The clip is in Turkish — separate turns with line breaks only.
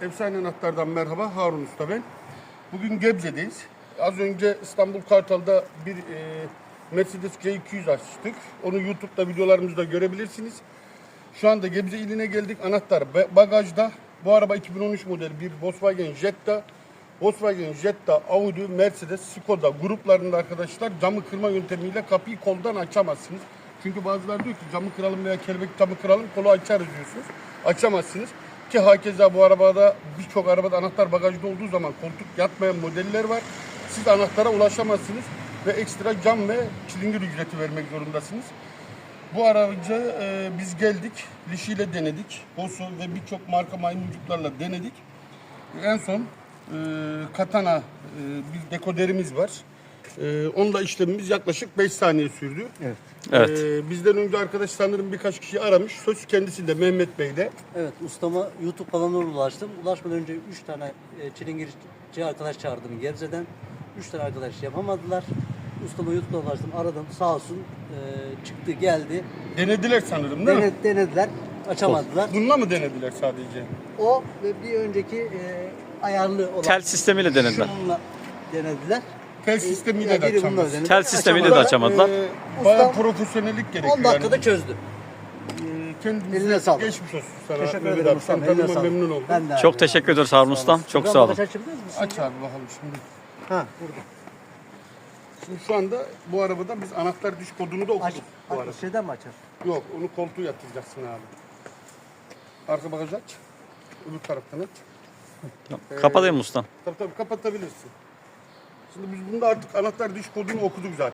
Efsane Anahtar'dan merhaba. Harun Usta ben. Bugün Gebze'deyiz. Az önce İstanbul Kartal'da bir Mercedes C200 açtık. Onu YouTube'da videolarımızda görebilirsiniz. Şu anda Gebze iline geldik. Anahtar bagajda. Bu araba 2013 model bir Volkswagen Jetta. Volkswagen Jetta, Audi, Mercedes, Skoda gruplarında arkadaşlar camı kırma yöntemiyle kapıyı koldan açamazsınız. Çünkü bazıları diyor ki camı kıralım veya kelebek camı kıralım, kolu açarız diyorsunuz. Açamazsınız. Ki hakeza bu arabada birçok arabada anahtar bagajda olduğu zaman koltuk yatmayan modeller var. Siz anahtara ulaşamazsınız ve ekstra cam ve çilingir ücreti vermek zorundasınız. Bu aracı biz geldik, Liş ile denedik. Bosu ve birçok marka maymuncuklarla denedik. En son Katana bir dekoderimiz var. Onunla işlemimiz yaklaşık 5 saniye sürdü.
Evet.
Evet.
Bizden önce arkadaş sanırım birkaç kişi aramış. Söz kendisinde Mehmet Bey'de.
Evet, ustama YouTube kanalına ulaştım. Ulaşmadan önce 3 tane çilingirci arkadaş çağırdım Gebze'den. 3 tane arkadaş yapamadılar. Ustama YouTube'da ulaştım, aradım. Sağ olsun çıktı, geldi.
Denediler sanırım değil mi?
Denediler, açamadılar.
Bununla mı denediler sadece?
O ve bir önceki ayarlı olan
Tel sistemiyle denediler.
şununla denediler.
Tel sistemiyle de
biri bununla
açamaz.
denedi,
Tel sistemiyle de
açamadılar.
açamadılar.
Bayağı
Ustam
profesyonellik gerekiyor.
10 dakikada çözdü.
Kendinize
Eline sağlık.
geçmiş olsun sana.
Teşekkür
Mehmet
ederim
abi.
ustam.
Sen
Eline
tanıma
sağlık.
memnun oldum.
Ben de
Çok
abi.
teşekkür ederiz Harun Ustam. Çok
Buradan
sağ olun.
bagaj açabilir misin?
Aç abi bakalım şimdi.
Ha, burada.
Şimdi şu anda bu arabada biz anahtar diş kodunu da
Aç.
okuduk. Bu arada.
Şeyden mi açar?
Yok, onu koltuğu yatıracaksın abi. Arka bagajı aç. Öbür taraftan aç.
Kapatayım ustam.
Tabii kapatabilirsin. Şimdi biz bunda artık anahtar diş kodunu okuduk zaten.